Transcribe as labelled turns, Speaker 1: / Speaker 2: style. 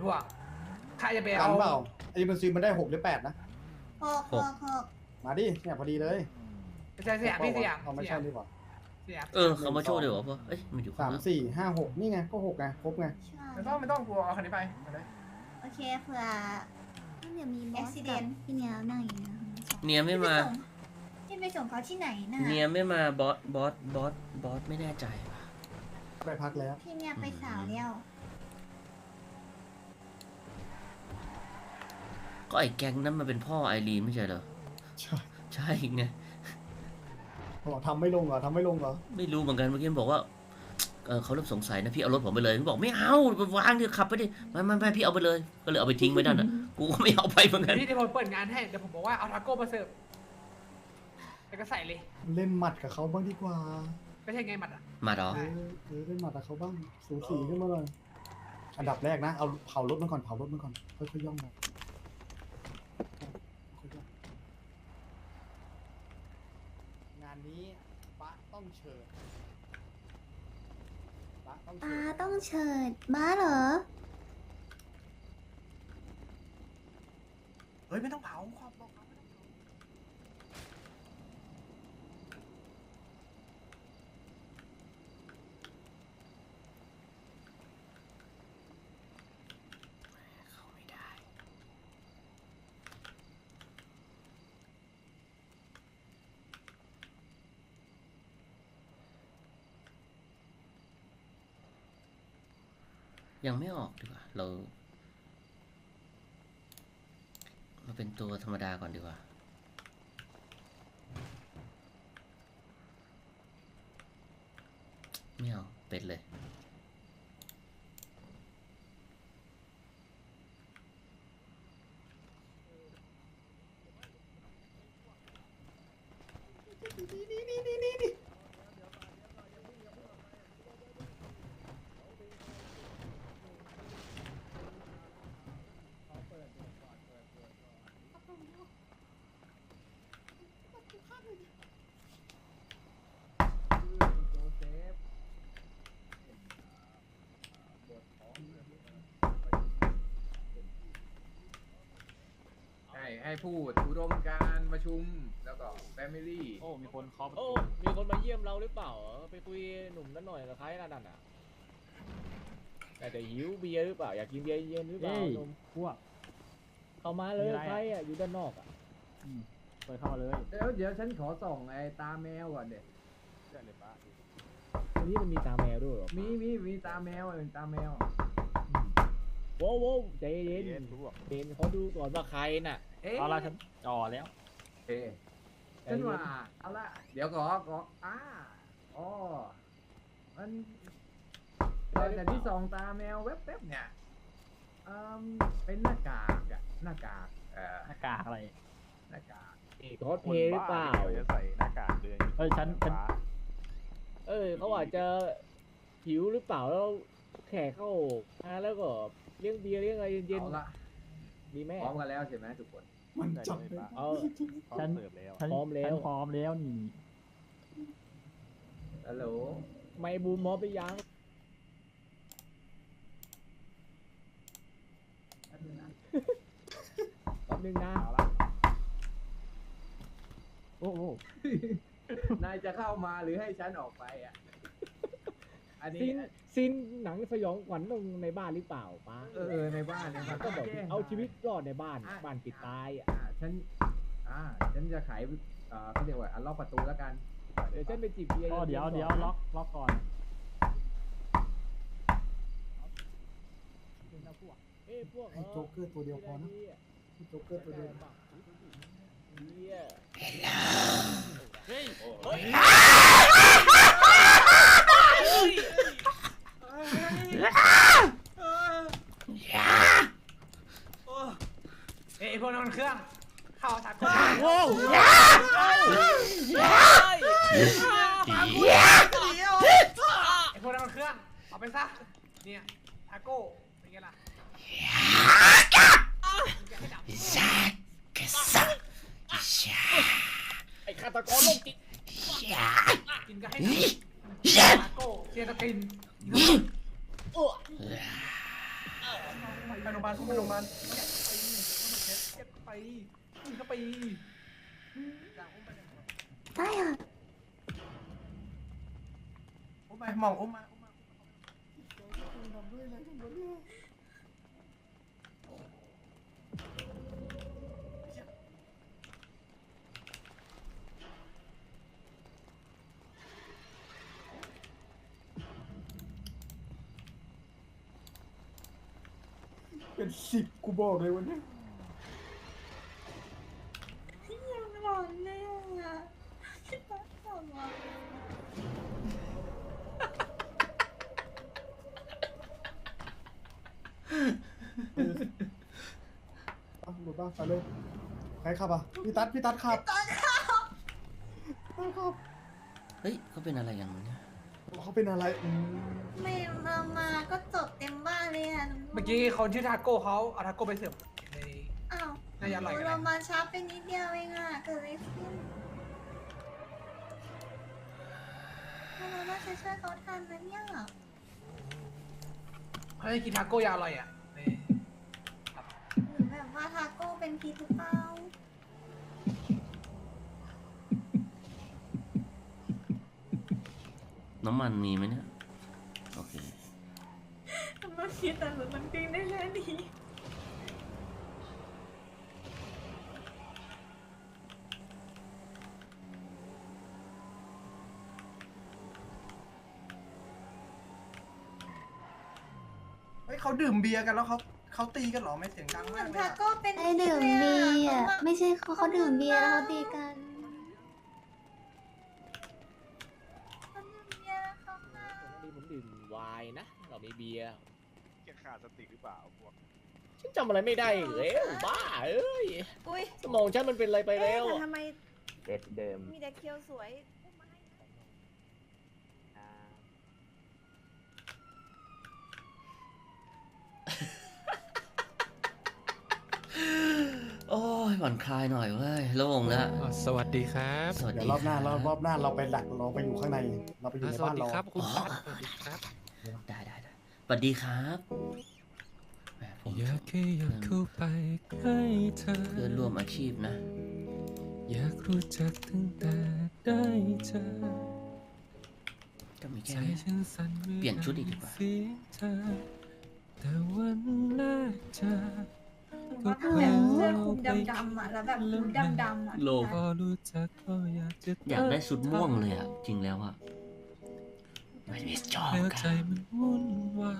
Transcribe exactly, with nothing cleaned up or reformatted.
Speaker 1: พวกใครจะไป
Speaker 2: กั
Speaker 1: เอา
Speaker 2: นเปล่าไอ้มันซีมันได้หกหรือแปดนะ
Speaker 3: หกหกหก
Speaker 2: มาดิเนี่ยพอดีเลย
Speaker 1: ไม่ใช่สยามพี่สยาม
Speaker 2: เอาไม่ใช่ดีกว่า
Speaker 1: สยาม
Speaker 4: เออเขามาโชว์เดี๋ยววะเอ้ยมันอยู่ข้า
Speaker 2: สาง ม
Speaker 4: หลัง
Speaker 2: สี่ห้าหกนี่ไงก็หกไงครบไง
Speaker 3: ใช่
Speaker 1: ไม่ต้องไม่ต้องกลัวเอาคันนี้ไปมาเลย
Speaker 3: โอเคเผื่อ
Speaker 5: เดี๋ยวมีบอส
Speaker 3: accident
Speaker 5: กับพี่เนียนั่งอยู่นะ
Speaker 4: เนียไม่มา
Speaker 3: ที่ไปส่งเขาที่ไหนน่ะ
Speaker 4: เนียไม่มาบอสบอสบอสบอสไม่แน่ใจว่ะ
Speaker 2: ไปพักแล้ว
Speaker 3: พี่เนี่ยไปสาวเดียว
Speaker 4: ก็ไอ้แก๊งนั้นมันเป็นพ่อไอรีนไม่ใช่เหรอ
Speaker 2: ใช่
Speaker 4: ใช่ไง
Speaker 2: บอกทำไม่ลงเหรอทำไม่ลงเหรอ
Speaker 4: ไม่รู้เหมือนกันเมื่อกี้มันบอกว่าเออเขาเริ่มสงสัยนะพี่เอารถผมไปเลยมันบอกไม่เอาไปวางเดี๋ยวขับไปดิไม่ไม่ไม่พี่เอาไปเลยก็เลยเอาไปทิ้งไว้นั่นอ่ะกูก็ไม่เอาไปเหมือนกัน
Speaker 1: พี่ที่ผมเปิดงานให้เดี๋ยวผมบอกว่าเอาทาโก้มาเสิร์ฟแล้วก็ใส่เลย
Speaker 2: เล่นหมัดกับเขาบ้างดีกว่า
Speaker 1: ไม่ใช่ไงหมัดอ่ะ
Speaker 4: มาดอ
Speaker 2: เออเออเล่นหมัดกับเขาบ้างสูสีขึ้นมาเลยอันดับแรกนะเอาเผารถมันก่อนเผารถมันก่อนค่อยๆย่องมาค่อยๆย่องงานนี้ปะต้องเชิญปะต้อง
Speaker 5: ป้า
Speaker 2: เชิญ
Speaker 5: ต้องเชิญบ้าเหรอ
Speaker 1: เฮ้ยไม่ต้องเผาความบอกเขาไม่ต้องเผา
Speaker 4: เข้าไม่ได้ ยังไม่ออกดีกว่าเราเราเป็นตัวธรรมดาก่อนดีกว่าไม่เอาเป็ดเลย
Speaker 6: ให้ให้พูดอุดมการณ์ประชุมแล้วก็แฟมิลี่
Speaker 7: โอ้ มีคนเคาะประ
Speaker 8: โอ้
Speaker 7: ตู
Speaker 8: มีคนมาเยี่ยมเราหรือเปล่าเหรอไปคุยหนุ่มนั่นหน่อยกับใครนั่นน่ะแต่จะหิวเบียร์หรือเปล่าอยากกินเบียร์เย็นหรือเปล่าหนุ่ม
Speaker 7: พวก
Speaker 8: เข้ามาเลย
Speaker 7: มีอะไรอะ
Speaker 8: ใครอ่ะอยู่ด้านนอกอ่ะ
Speaker 7: เปิดเข้ามาเลย
Speaker 6: เดี๋ยวเดี๋ยวฉันขอส่องไอ้ตาแมวก่อนเด็
Speaker 7: ได้เลยป้า
Speaker 8: วันนี้มันมีตาแมวด้วยเหรอ
Speaker 6: มีมีมีตาแมวเป็นตาแมว
Speaker 8: โว้วโว้วใจเย็น
Speaker 7: เย็นพวก
Speaker 8: เย็นเขาดูก่อนว่าใครน่ะ
Speaker 6: เอ๊ะ
Speaker 7: เอาละฉันจ่อแล้ว
Speaker 6: เอ๊ะฉันว่าเอาละเดี๋ยวขอขออ้าอ๋อมันแต่แต่ที่ส่องตาแมวแวบๆเนี่ยอืมเป็นหน้ากากอะหน้ากากเอ่อ
Speaker 7: หน้ากากอะไร
Speaker 6: หน้ากาก
Speaker 8: เอกคอสเพลย์หรือเปล่า
Speaker 7: จะใส่หน้ากากเดือนเฮ้ยฉันฉัน
Speaker 8: เออเขาอาจจะหิวหรือเปล่าแล้วแขกเข้ามาแล้วก็เลี้ยงเบียร์เลี้ยงอะไรเย็น
Speaker 6: เอาละ
Speaker 8: ๆดีไหม
Speaker 6: พร้อมกันแล้วใช่ไหมทุกคน
Speaker 2: มัน
Speaker 7: ได้
Speaker 2: จับ
Speaker 7: เลย
Speaker 2: เลย
Speaker 7: ป้า
Speaker 8: เอา
Speaker 7: ฉันเสิร์ฟแล้ว
Speaker 8: พร้อมแล้ว
Speaker 7: ฉันพร้อมแล้วนี่
Speaker 6: ฮัลโหล
Speaker 8: ไม่บูมมอบไปยัง
Speaker 6: แป๊บนึงนะ
Speaker 8: แป๊บนึงนะ
Speaker 7: เอาละโอ้โห
Speaker 6: นายจะเข้ามาหรือให้ฉันออกไปอ่ะ อัน
Speaker 8: ซิ
Speaker 6: นี้
Speaker 8: นซินหนังสยองขวัญตรงในบ้านหรือเปล่าป้า
Speaker 6: เออเออในบ้านนะครับ
Speaker 8: ก็แบบ
Speaker 6: แจ้ง
Speaker 8: เอาชีวิตรอดในบ้าน
Speaker 6: อ่ะ
Speaker 8: บ้านปิดตายอ่ะ
Speaker 6: อ่าฉัน อ่า ฉันจะไขเอ่อเขาเรียกว่าอันล็อกประตูแล้วกัน
Speaker 8: เดี๋ยวฉันไปจีบเบียร์
Speaker 7: ก็เดี๋ยว
Speaker 8: นๆ
Speaker 7: เดี๋ยว
Speaker 8: ก่อน
Speaker 7: ล็อกล็อกก่อน
Speaker 8: เอ้ยพวก
Speaker 2: ให้โจ๊กเกอร์ตัวเดียวพอนะให้โจ๊กเกอร์ตัวเดียว
Speaker 8: เบียร์
Speaker 7: เฮ้ย
Speaker 8: เฮ้ย
Speaker 1: เอ้ยไอ้พวกนั้นมันเครื่องเข้าทาโก้
Speaker 8: โอ้ย
Speaker 1: ไอ้พวกนั้นมันเครื่องเอาไปซะเนี่ยทาโก้เป็นไงล่ะให้ดับ
Speaker 4: กระสับชา
Speaker 8: ไอ้ฆาตกรโรคจิต
Speaker 4: ชา
Speaker 1: กินก็ให้ดับทาโก้เชียร์ตะกิน
Speaker 8: โอ้
Speaker 1: ทไปโรงพยาบาลไปโรงพยาบาลเก็บไปเก็บไปเข้าไปจากอุ้มไปเลย
Speaker 5: ได้เหรอ
Speaker 1: อุ้มไปมองอุ้มมาอุ้มมา
Speaker 2: เป็นสิบกูบอกเลยวันนี้
Speaker 3: ยังหลอนเลยอ่ะพี่ป๊าทำอ่ะ
Speaker 2: อ่ะหลุดบ้างไปเลยใครขับอ่ะพี่ตัดพี่ตัดขับตัดขับ
Speaker 4: เฮ้ยเขาเป็นอะไรกันวะเนี่ย
Speaker 2: เขาเป็นอะไรอืม
Speaker 3: ไม่มามาก็จบเต็มบ้านเลยอ่ะ
Speaker 1: เมื่อกี้เขาชื่อทาโก้เขาเอาทาโก้ไปเสิร์ฟใน
Speaker 3: อ้าว
Speaker 1: น่าจะอร่อยกัน
Speaker 3: เรา
Speaker 1: นะ
Speaker 3: มาช้าไปนิดเดียวเองอ่ะเกิดอะไรขึ้นเราน่าจะช่วยเขาทันนะเนี่ย
Speaker 1: เขาให้กินทาโก้ยาอร่อยอ่ะใน
Speaker 3: หรือแบบว่าทาโก้เป็นพิษหรือเปล่า
Speaker 4: น้ำมันมีไหมเนี่ยโอเค
Speaker 3: มันคิดแต่หรือมันปิ้งได้แค่นี้
Speaker 1: เฮ้ยเขาดื่มเบียร์กันแล้วเขาเขาตีกันเหรอไม่เสียงดัง
Speaker 3: เหมื
Speaker 1: มา
Speaker 3: อก น
Speaker 1: เลย
Speaker 3: ทา
Speaker 1: อะ
Speaker 3: โก้เป็น
Speaker 5: ไอดื่มเบียร์อะไม่ใช่เขาเขาดื่มเบียร์แล้วเขาตีกัน
Speaker 3: เขาดื่มเบียร์แล้วเขามา
Speaker 8: ปกติผมดื่มไวน์นะ เรามีเบียร์
Speaker 9: แกขาดสติหรือเปล่าพวก
Speaker 8: ฉันจำอะไรไม่ได้อีกแล้วบ้าเอ้ย
Speaker 10: อุ้ย
Speaker 8: สมองฉันมันเป็นอะไรไปแล้ว
Speaker 10: เอ๊ะแต่ทำไม
Speaker 6: เด็ดเดิม
Speaker 10: มีแต่เคียวสวย
Speaker 4: โอ้ยผ่อนคลายหน่อยเว้ยโล่งแล้ว
Speaker 11: สวัสดีครับ
Speaker 4: สวัส
Speaker 2: เดี๋ย
Speaker 4: ดี
Speaker 2: วรอบหน้า
Speaker 4: ค
Speaker 2: ร
Speaker 4: รั
Speaker 2: อบบ รอบหน้าเราไปหลักเราไปอยู่ข้างใน เราไปอยู่ใน
Speaker 11: สวั
Speaker 2: บ้า
Speaker 11: ส
Speaker 2: น
Speaker 11: ดี
Speaker 2: เรา
Speaker 11: ครับคุณตั๊ดสวัสดีครับ
Speaker 4: ได้ได้ได้สวัสดีครับแหมผม
Speaker 11: อยากแค่อยากเข้าไปใกล้เธอ
Speaker 4: เพื่อนร่วมอาชีพนะ
Speaker 11: อยากรู้จักตั้งแต่ได้เจอ
Speaker 4: ก็มี
Speaker 11: ใจ
Speaker 4: แค่นี้
Speaker 11: ฉันสั่นมื่อ
Speaker 4: เปลี่ยนชุดอีกดีกว่า
Speaker 11: เสียงเธอแต่วันแรกเจอ
Speaker 3: ว่าถ้าแบบเสื้อคลุมดำๆอ่ะแล้วแบบหูดำๆอ่ะ
Speaker 4: โล
Speaker 11: พอรู้จักก็อยากจะ
Speaker 4: อยากได้ชุดม่วงเลยอ่ะ จริงแล้วอ่ะไม่ได้ชอบ
Speaker 11: แล้ว
Speaker 4: ค
Speaker 11: ใจ
Speaker 4: รับ
Speaker 11: มันวุ่นวา